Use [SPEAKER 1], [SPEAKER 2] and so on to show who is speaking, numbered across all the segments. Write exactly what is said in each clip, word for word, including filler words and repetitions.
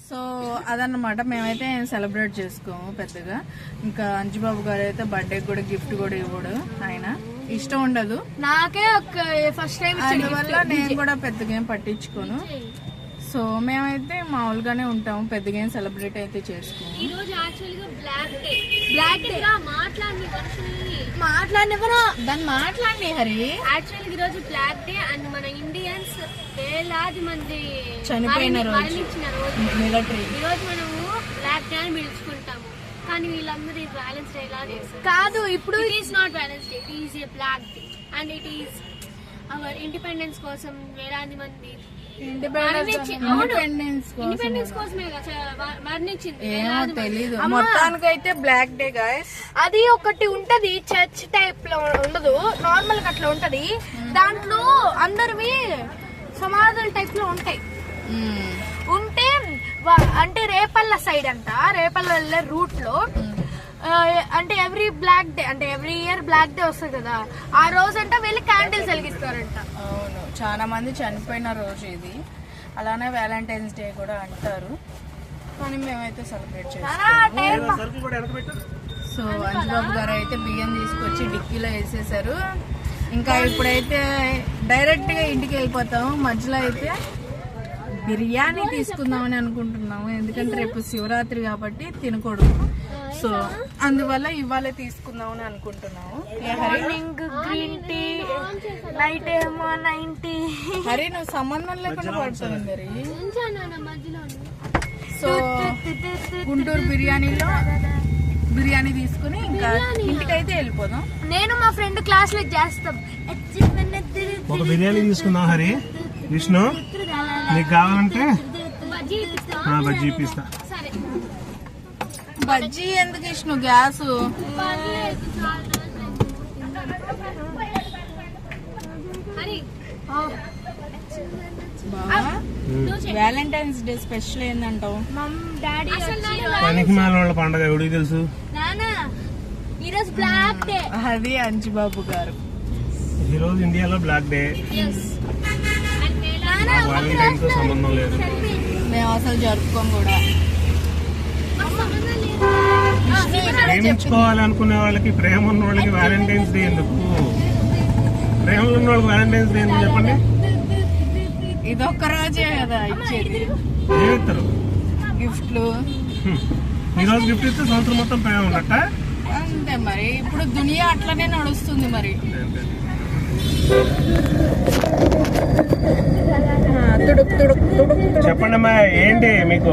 [SPEAKER 1] So అదన్నమాట, మేమైతే celebrate చేసుకోము పెద్దగా. ఇంకా అంజుబాబు గారు అయితే బర్త్డే కూడా గిఫ్ట్ కూడా ఇవ్వడు, ఆయన ఇష్టం ఉండదు.
[SPEAKER 2] నాకే ఒక ఫస్ట్ టైం,
[SPEAKER 1] అందువల్ల నేను కూడా పెద్దగా ఏం పట్టించుకోను. సో మేమైతే మామూలుగానే ఉంటాము, పెద్దగా ఏం సెలబ్రేట్ అయితే చేసుకోము.
[SPEAKER 3] ఈ రోజు యాక్చువల్గా బ్లాక్ డే. బ్లాక్ డే మాట్లాడి
[SPEAKER 2] మాట్లాడినవరా దాన్ని మాట్లాడి హరి.
[SPEAKER 3] యాక్చువల్గా ఈ రోజు బ్లాక్ డే అండ్ మన ఇండియన్స్ వేలాది మంది
[SPEAKER 1] చనిపోయిన రోజు,
[SPEAKER 3] మరణించిన రోజు
[SPEAKER 1] మిలిటరీ.
[SPEAKER 3] ఈ రోజు మనము బ్లాక్ డే అని పిలుచుకుంటాము, కానీ వీళ్ళందరూ ఇది బ్యాలెన్స్ డే లా చేస్తారు.
[SPEAKER 2] కాదు, ఇప్పుడు
[SPEAKER 3] it is not balance day, it is a black day and it is our independence కోసం వేలాది మంది
[SPEAKER 1] ఇండిపెండెన్స్
[SPEAKER 3] ఇండిపెండెన్స్ కోసమే మరణించింది.
[SPEAKER 1] ఏమో తెలీదు, మొత్తానికైతే బ్లాక్ డే గాయస్.
[SPEAKER 2] అది ఒకటి ఉంటది, చర్చ్ టైప్ లో ఉండదు, నార్మల్ గా అట్లా ఉంటది. దాంట్లో అందరివి సమాధుల టైప్ లో ఉంటాయి. ఉంటే అంటే రేపల్ల సైడ్ అంట, రేపల్ల వెళ్ళే రూట్ లో అంటే ఎవ్రీ బ్లాక్ డే అంటే ఎవ్రీ ఇయర్ బ్లాక్ డే వస్తుంది కదా, ఆ రోజు అంట వెళ్ళి క్యాండిల్స్ వెలిగిస్తారంట.
[SPEAKER 1] అవును, చాలా మంది చనిపోయిన రోజు ఇది. అలానే వ్యాలంటైన్స్ డే కూడా అంటారు, కానీ మేమైతే సెలబ్రేట్ చేస్తాం. సో అంజుబాబు గారు అయితే బియ్యం తీసుకొచ్చి డిక్కీలో వేసేసారు. ఇంకా ఇప్పుడైతే డైరెక్ట్ గా ఇంటికి వెళ్ళిపోతాము. మధ్యలో అయితే బిర్యానీ తీసుకుందామని అనుకుంటున్నాము, ఎందుకంటే రేపు శివరాత్రి కాబట్టి తినకూడదు. సో అందువల్ల ఇవాళ తీసుకుందామని అనుకుంటున్నాము.
[SPEAKER 2] మార్నింగ్ గ్రీన్ టీ, నైట్ ఏమో నైన్టీ.
[SPEAKER 1] హరి నువ్వు సంబంధం లేకుండా పడుతుంది మరి.
[SPEAKER 3] మధ్యలో
[SPEAKER 1] సో గుంటూరు బిర్యానీలో బిర్యానీ తీసుకుని ఇంకా ఇంటికైతే వెళ్ళిపోదాం.
[SPEAKER 2] నేను మా ఫ్రెండ్ క్లాస్ లో చేస్తాం.
[SPEAKER 4] ఒక బిర్యానీ తీసుకుందాం హరి. విష్ణు నీకు కావాలంటే బజ్జీ ఇప్పిస్తా.
[SPEAKER 1] బజ్జీ ఎందుకు ఇష్ణు, గ్యాస్. వ్యాలంటైన్స్ డే స్పెషల్ ఏందంటావు?
[SPEAKER 4] పనికి మాల పండుగ ఎవడికి తెలుసు?
[SPEAKER 2] ఈరోజు బ్లాక్ డే.
[SPEAKER 1] అది అంజుబాబు గారు.
[SPEAKER 4] ఈ రోజు ఇండియాలో బ్లాక్ డే. వ్యాలంటైన్ తో సంబంధం లేదు,
[SPEAKER 1] మేము అసలు జరుపుకోం కూడా.
[SPEAKER 4] ప్రేమించుకోవాలనుకునే వాళ్ళకి, ప్రేమ ఉన్న వాళ్ళకి వ్యాలంటైన్స్ డే ఎందుకు? ప్రేమలో ఉన్న వాళ్ళకి వ్యాలంటైన్స్ డే ఎందుకు చెప్పండి?
[SPEAKER 1] ఇదొక్క రోజే కదా ఇచ్చేది.
[SPEAKER 4] ఏమిస్తారు
[SPEAKER 1] గిఫ్ట్లు.
[SPEAKER 4] ఈ రోజు గిఫ్ట్ ఇస్తే సంవత్సరం మొత్తం ప్రేమ ఉన్నట్ట.
[SPEAKER 1] అంతే మరి, ఇప్పుడు దునియా అట్లనే నడుస్తుంది మరి.
[SPEAKER 4] చెప్పండి అమ్మా, ఏంటి మీకు?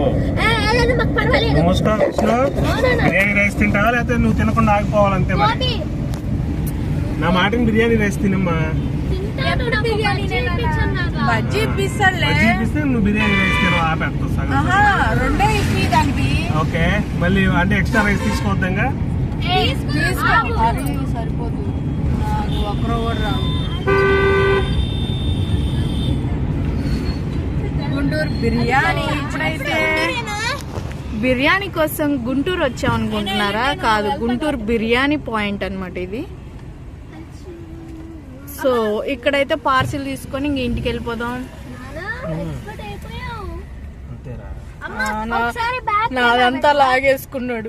[SPEAKER 4] మూసుకో. బిర్యానీ రైస్ తింటావా లేకపోతే నువ్వు తినకుండా ఆగిపోవాలంతే మరి. నా మాటని బిర్యానీ రైస్ తినమ్మా.
[SPEAKER 1] బజ్జీ ఇప్పిస్తాడులే.
[SPEAKER 4] బజ్జీ ఇప్పిస్తే నువ్వు బిర్యానీ రైస్ తినవు, ఆపేస్తా.
[SPEAKER 1] రెండే ఇప్పి దానికి.
[SPEAKER 4] ఓకే, మళ్ళీ అంటే ఎక్స్ట్రా రైస్ తీసుకోవద్దంగా.
[SPEAKER 1] సరిపోదు, నాకు ఒక్కరో కూడా రావు. గుంటూరు బిర్యానీ. ఇప్పుడైతే బిర్యానీ కోసం గుంటూరు వచ్చాం అనుకుంటున్నారా? కాదు, గుంటూరు బిర్యానీ పాయింట్ అన్నమాట ఇది. సో ఇక్కడైతే పార్సిల్ తీసుకొని ఇంక ఇంటికి వెళ్ళిపోదాం. నాదంతా లాగేసుకున్నాడు.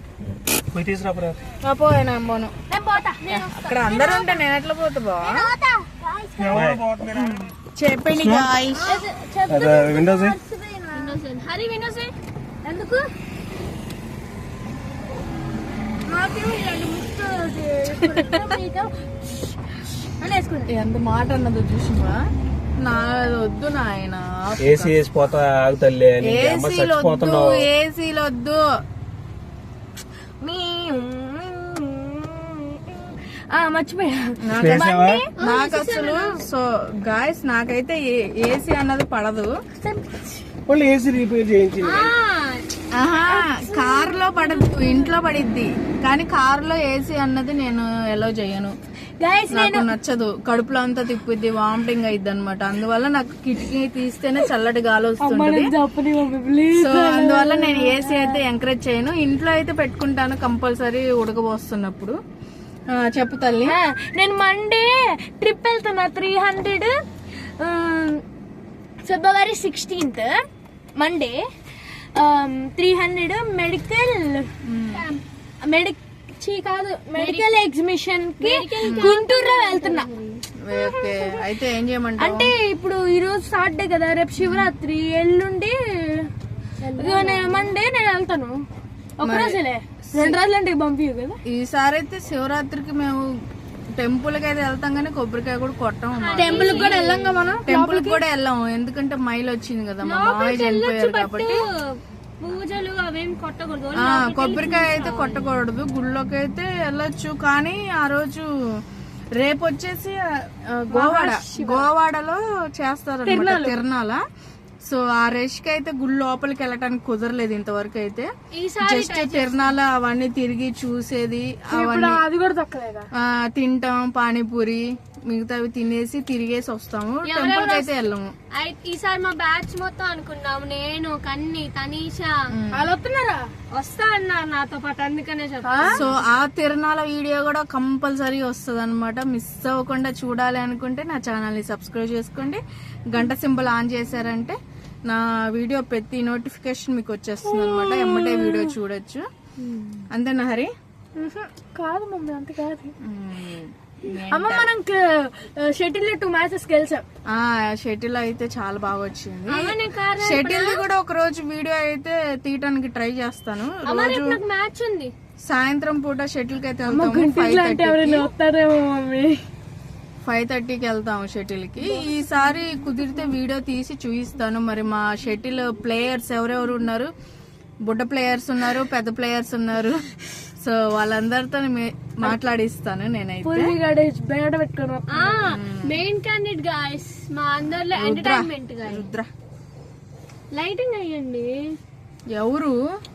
[SPEAKER 1] పోయినా పోను, అక్కడ అందరూ ఉంటే నేను ఎట్లా పోతా బా? చెప్పండి గాయ్స్.
[SPEAKER 3] హరి విండోస్ ఎందుకు?
[SPEAKER 1] ఎంత మాట అన్నదో చూసినా. నా వద్దు నాయన,
[SPEAKER 4] ఏసీ వేసిపోతా ఆగుతలే.
[SPEAKER 1] ఏసీలు వద్దు, ఏసీలు వద్దు.
[SPEAKER 2] మర్చిపోయా
[SPEAKER 1] నాకు అసలు. సో గాయస్, నాకైతే ఏసీ అన్నది పడదు.
[SPEAKER 4] ఏసీ రిపేర్ చేయించి
[SPEAKER 1] కార్ లో పడదు, ఇంట్లో పడిద్ది, కానీ కార్ లో ఏసీ అన్నది నేను ఎలో చేయను. నాకు నచ్చదు, కడుపులో అంతా తిప్పిద్ది, వామిటింగ్ అయిద్ది అనమాట. అందువల్ల నాకు కిటికీ తీస్తేనే చల్లటి గాలి వస్తుంది. సో అందువల్ల నేను ఏసీ అయితే ఎంకరేజ్ చేయను. ఇంట్లో అయితే పెట్టుకుంటాను కంపల్సరీ ఉడకబోస్తున్నప్పుడు. చెప్పు తల్లి.
[SPEAKER 2] నేను మండే ట్రిప్ వెళ్తున్నా, three hundred February sixteenth Monday. Three hundred medical medic కాదు మెడికల్ ఎగ్జిబిషన్ కి గుంటూరులో వెళ్తున్నా.
[SPEAKER 1] ఓకే, అయితే ఏం చేయమంటావు?
[SPEAKER 2] అంటే ఇప్పుడు ఈ రోజు సాటర్డే కదా, రేపు శివరాత్రి, ఎల్లుండి మండే నేను వెళ్తాను. ఒక రోజులే, రెండు రోజులు అంటే పంపి కదా.
[SPEAKER 1] ఈసారి అయితే శివరాత్రికి మేము టెంపుల్ కి అయితే వెళ్తాం కానీ కొబ్బరికాయ కూడా కొట్టాం.
[SPEAKER 2] టెంపుల్ కూడా వెళ్ళాం కదా మనం,
[SPEAKER 1] టెంపుల్ కూడా వెళ్ళాము ఎందుకంటే మైల్ వచ్చింది కదా, మా మామయ్య చనిపోయారు కాబట్టి.
[SPEAKER 3] పూజలు అవేం కొట్టకూడదు.
[SPEAKER 1] ఆ కొబ్బరికాయ అయితే కొట్టకూడదు. గుళ్ళోకి అయితే వెళ్ళొచ్చు కానీ ఆ రోజు రేపు వచ్చేసి గోవాడ గోవాడలో చేస్తారు అనమాట తిరణాల. సో ఆ రేష్ కి అయితే గుడి లోపలికి వెళ్ళటానికి కుదరలేదు ఇంతవరకు అయితే. జస్ట్ తిరణాల అవన్నీ తిరిగి చూసేది, అవన్నీ
[SPEAKER 2] అది కూడా తక్కువ
[SPEAKER 1] తింటాం, పానీపూరి మిగతావి తినేసి తిరిగేసి వస్తాము. టెంపుల్ కి అయితే వెళ్ళము.
[SPEAKER 3] ఈసారి మా బ్యాచ్ మొత్తం అనుకున్నాము, నేను, కన్ని, తనీషా
[SPEAKER 2] వాళ్ళు వస్తున్నారా?
[SPEAKER 3] వస్తా అన్నారు నాతో పాటు, అందుకనే చెప్తా.
[SPEAKER 1] సో ఆ తిరణాల వీడియో కూడా కంపల్సరీ వస్తుంది అనమాట. మిస్ అవ్వకుండా చూడాలి అనుకుంటే నా ఛానల్ ని సబ్స్క్రైబ్ చేసుకోండి. గంట సింబల్ ఆన్ చేశారంటే నా వీడియో ప్రతి నోటిఫికేషన్ మీకు వచ్చేస్తుంది అనమాట. ఎమ్మటే వీడియో చూడొచ్చు. అంతేనా హరి?
[SPEAKER 2] కాదు మమ్మీ, అంత కాదు అమ్మ. మనం షటిల్ టూ మ్యాచెస్ గెలిచాం.
[SPEAKER 1] ఆ షటిల్ అయితే చాలా బాగా వచ్చింది. షటిల్ కూడా ఒక రోజు వీడియో అయితే తీయటానికి ట్రై చేస్తాను. రోజు
[SPEAKER 3] మ్యాచ్ ఉంది
[SPEAKER 1] సాయంత్రం పూట షటిల్ కి అయితే వెళ్తాము. ఫైవ్ థర్టీ
[SPEAKER 2] వస్తారేమో మమ్మీ,
[SPEAKER 1] ఫైవ్ థర్టీకి వెళ్తాము షటిల్ కి. ఈసారి కుదిరితే వీడియో తీసి చూపిస్తాను. మరి మా షటిల్ ప్లేయర్స్ ఎవరెవరు ఉన్నారు, బుడ్డ ప్లేయర్స్ ఉన్నారు, పెద్ద ప్లేయర్స్ ఉన్నారు. సో వాళ్ళందరితో మాట్లాడిస్తాను నేనైతే.
[SPEAKER 3] మెయిన్ క్యాండిడేట్ గాయ్స్, మా అందరిలో ఎంటర్టైన్మెంట్ గాయ్స్.
[SPEAKER 1] రుద్ర
[SPEAKER 3] లైటింగ్ అయ్యండి.
[SPEAKER 1] ఎవరు?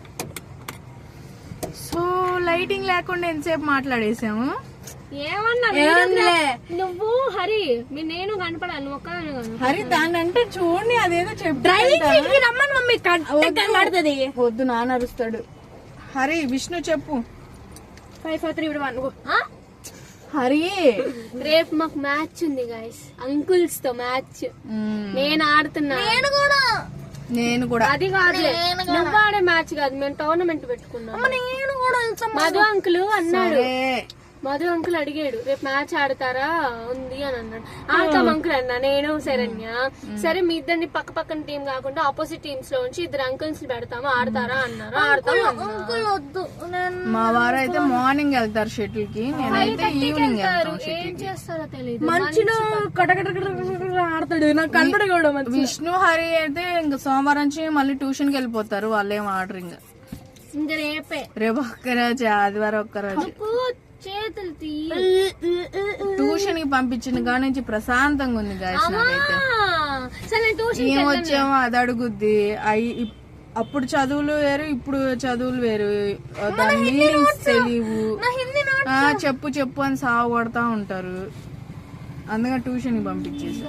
[SPEAKER 1] సో లైటింగ్ లేకుండా ఎంతసేపు మాట్లాడేసాము.
[SPEAKER 3] ఏమన్నా నువ్వు హరి, మీ నేను కనపడాలి, నువ్వు ఒక్కదాని కాదు.
[SPEAKER 1] హరి దాన్ని అంటే చూడండి, అదేదో చెప్పు.
[SPEAKER 2] రమ్మని మమ్మీ కనబడుతుంది.
[SPEAKER 1] వద్దు, నాన్న అరుస్తాడు. హరి, విష్ణు చెప్పు.
[SPEAKER 2] Five four three one.
[SPEAKER 1] Hari
[SPEAKER 3] రేపు మాకు మ్యాచ్ ఉంది గాయస్, అంకుల్స్ తో మ్యాచ్. నేను ఆడుతున్నా. నేను కూడా
[SPEAKER 1] నేను కూడా
[SPEAKER 3] అది కాదు, నువ్వు ఆడే మ్యాచ్ కాదు, మేము టోర్నమెంట్ పెట్టుకున్నాం.
[SPEAKER 2] నేను కూడా
[SPEAKER 3] మధు అంకుల్ అన్నాడు, మధు అంకుల్ అడిగాడు రేపు మ్యాచ్ ఆడతారా ఉంది అని అన్నాడు. ఆడతాం అంకుల్ అన్నా నేను, శరణ్య. సరే మీ ఇద్దరిని పక్క పక్కన టీం కాకుండా ఆపోజిట్ టీమ్స్ లో ఉంచి ఇద్దరు అంకుల్స్ పెడతాము, ఆడతారా అన్నారు. ఆడతాం.
[SPEAKER 2] అంకుల్ వద్దు,
[SPEAKER 1] మా వారు అయితే మార్నింగ్ వెళ్తారు షటిల్ కి, నేనైతే ఈవినింగ్ వెళ్తాను.
[SPEAKER 3] ఏం చేస్తారో తెలియదు,
[SPEAKER 2] మంచిలో కటకట ఆడతాడు, నాకు కనపడకూడదు.
[SPEAKER 1] విష్ణు హరి అయితే ఇంక సోమవారం నుంచి మళ్ళీ ట్యూషన్ కి వెళ్ళిపోతారు. వాళ్ళు ఏం ఆడరు ఇంకా.
[SPEAKER 3] ఇంకా రేపే,
[SPEAKER 1] రేపు ఒక్కరోజు, ఆదివారం ఒక్కరోజు.
[SPEAKER 3] చేతులు తీ
[SPEAKER 1] ట్యూషన్ కి పంపించిన కాడ నుంచి ప్రశాంతంగా ఉంది గాయస్ నాకైతే. ఏం వచ్చామో అది అడుగుద్ది. అయి అప్పుడు చదువులు వేరు, ఇప్పుడు చదువులు వేరు, దాని మీనింగ్స్ తెలియవు. చెప్పు చెప్పు అని సాగు కొడతా ఉంటారు. అందుకని ట్యూషన్ కి పంపించేసి.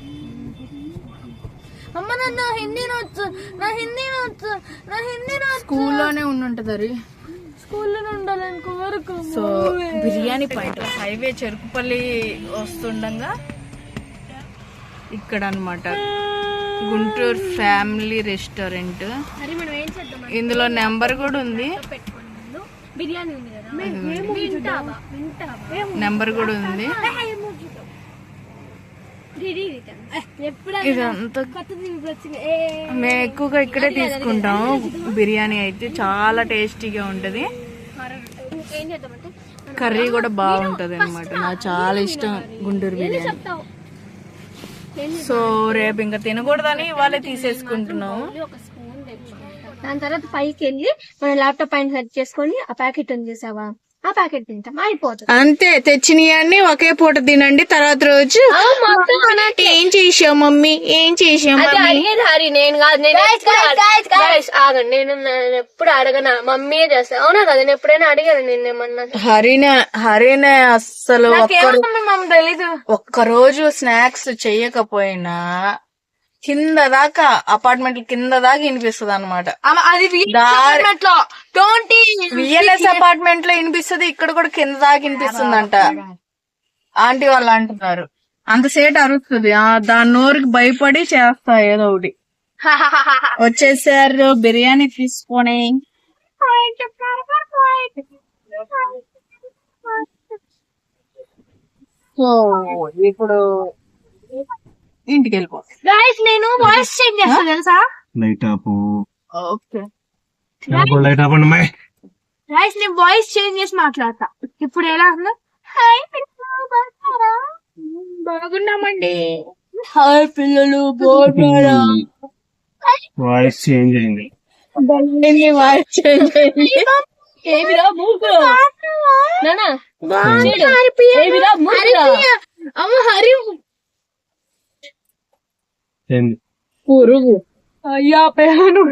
[SPEAKER 2] అమ్మ నా హిందీ నొచ్చు, నా హిందీ నొచ్చు, నా హిందీ నొచ్చు.
[SPEAKER 1] స్కూల్లోనే ఉండుంటది అది.
[SPEAKER 2] స్కూల్లోనే ఉండాలనుకో వరకు.
[SPEAKER 1] So biryani point highway Cherukupalli వస్తుండగా ఇక్కడ అన్నమాట గుంటూరు ఫ్యామిలీ రెస్టారెంట్. ఇందులో నెంబర్ కూడా ఉంది,
[SPEAKER 3] బిర్యానీ ఉంది కదా,
[SPEAKER 1] నెంబర్ కూడా ఉంది. ఇదంతా మేము ఎక్కువగా ఇక్కడే తీసుకుంటాం. బిర్యానీ అయితే చాలా టేస్టీగా ఉంటది, కర్రీ కూడా బాగుంటది అనమాట. నాకు చాలా ఇష్టం గుంటూరు బిర్యానీ. సో రేపు ఇంకా తినకూడదని ఇవాళే తీసేసుకుంటున్నాము.
[SPEAKER 3] దాని తర్వాత పైకి వెళ్ళి మన ల్యాప్టాప్ పైన సెట్ చేసుకొని ఆ ప్యాకెట్ ఉంది చూసావా, ఆ ప్యాకెట్ తింటాం, అయిపోతుంది
[SPEAKER 1] అంతే. తెచ్చినవన్నీ ఒకే పూట తినండి. తర్వాత రోజు ఏం చేసావు మమ్మీ, ఏం చేసావు మమ్మీ.
[SPEAKER 3] హరి నేను కాదు, నేను ఆగండి, నేను నేను ఎప్పుడు అడగనా, మమ్మీ చేస్తా. అవునా కదా, నేను ఎప్పుడైనా అడిగాను నిన్నేమన్నా.
[SPEAKER 1] హరినే హరినే అస్సలు
[SPEAKER 2] తెలీదు.
[SPEAKER 1] ఒక్క రోజు స్నాక్స్ చెయ్యకపోయినా కింద దాకా అపార్ట్మెంట్ కింద దాకా వినిపిస్తుంది అనమాట.
[SPEAKER 2] అది
[SPEAKER 1] విఎల్ఎస్ అపార్ట్మెంట్ లో వినిపిస్తుంది, ఇక్కడ కూడా కింద దాకా వినిపిస్తుందంట. ఆంటీ వాళ్ళు అంటున్నారు అంతసేపు అరుస్తుంది. దాని నోరుకి భయపడి చేస్తా ఏదో ఒకటి. వచ్చేసారు బిర్యానీ తీసుకొని. సో ఇప్పుడు ఇంటికి వెళ్ళిపో.
[SPEAKER 2] గైస్ నేను వాయిస్ చేంజ్ చేస్తా తెలుసా.
[SPEAKER 4] లైట్ ఆపు.
[SPEAKER 1] ఓకే
[SPEAKER 4] లైట్ ఆపండి అమ్మాయి.
[SPEAKER 2] గైస్ నేను వాయిస్ చేంజ్ చేసి మాట్లాడతా. ఇప్పుడు ఎలా ఉందా? హాయ్ పిల్లలు బాగున్నారా? బాగున్నామండి. హాయ్ పిల్లలు బాగున్నారా?
[SPEAKER 4] వాయిస్ చేంజ్ అయింది.
[SPEAKER 1] వాయిస్ చేంజ్ అయింది.
[SPEAKER 3] ఏమిరా మూర్ఖుడు నానా ఏమిరా మూర్ఖుడా
[SPEAKER 2] అమ్మ హరి
[SPEAKER 4] ఏంది
[SPEAKER 1] పురుగు.
[SPEAKER 2] అయ్యా పేను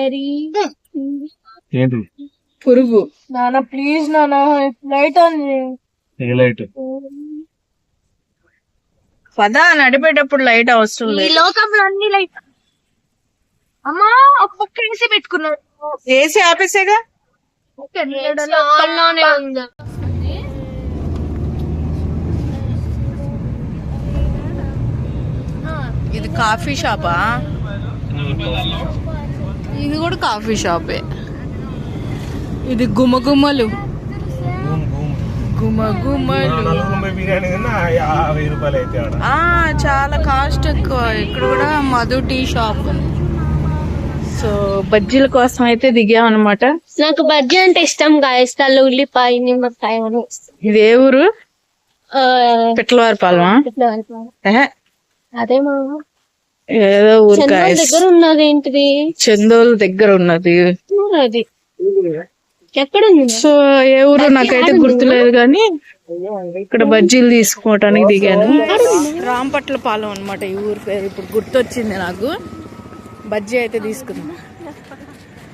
[SPEAKER 4] ఏంటి
[SPEAKER 1] పురుగు.
[SPEAKER 2] నాన్న ప్లీజ్ నాన్న లైట్ ఆన్
[SPEAKER 4] ఏ లైట్?
[SPEAKER 1] పదా నడిపేటప్పుడు లైట్ అవసరం
[SPEAKER 2] ఈ
[SPEAKER 1] లేదు.
[SPEAKER 2] లోకంలో అన్ని లైట్. అమ్మా ఒక పక్క వేసి పెట్టుకున్నాడు.
[SPEAKER 1] ఏసీ ఆపేసేగా.
[SPEAKER 3] ఆన్లోనే ఉందా
[SPEAKER 1] ఇది కాఫీ షాపా? ఇది కూడా కాఫీ షాపే. ఇది గుమగుమలు గుమగుమలు.
[SPEAKER 4] నలుగురు బిర్యానీ తిన్నా యాభై రూపాయలు అయితే ఆడ.
[SPEAKER 1] ఆ చాలా కాస్ట్ ఎక్కువ. ఇక్కడ కూడా మధు టీ షాప్ ఉంది. సో బజ్జీల కోసం అయితే దిగామన్నమాట.
[SPEAKER 3] నాకు బజ్జీ అంటే ఇష్టం గాయస్తాలు ఉల్లిపాయ నిమ్మకాయ అని
[SPEAKER 1] ఇది ఏ ఊరు? పిట్లవారిపాలెమా? ఏహే,
[SPEAKER 3] అదే మా
[SPEAKER 1] ఏదో ఊరు
[SPEAKER 3] చంద్రుడి
[SPEAKER 1] guys.
[SPEAKER 3] దగ్గర ఉన్నది ఏంటిది
[SPEAKER 1] చందోలు దగ్గర ఉన్నది.
[SPEAKER 3] అది ఎక్కడుంది
[SPEAKER 1] సో ఏ ఊరు నాకైతే గుర్తులేదు కానీ ఇక్కడ బజ్జీలు తీసుకోవటానికి దిగాను. రాంపట్ల పాలెం అనమాట ఈ ఊరు పేరు. ఇప్పుడు గుర్తొచ్చింది నాకు. బజ్జీ అయితే తీసుకుందాం.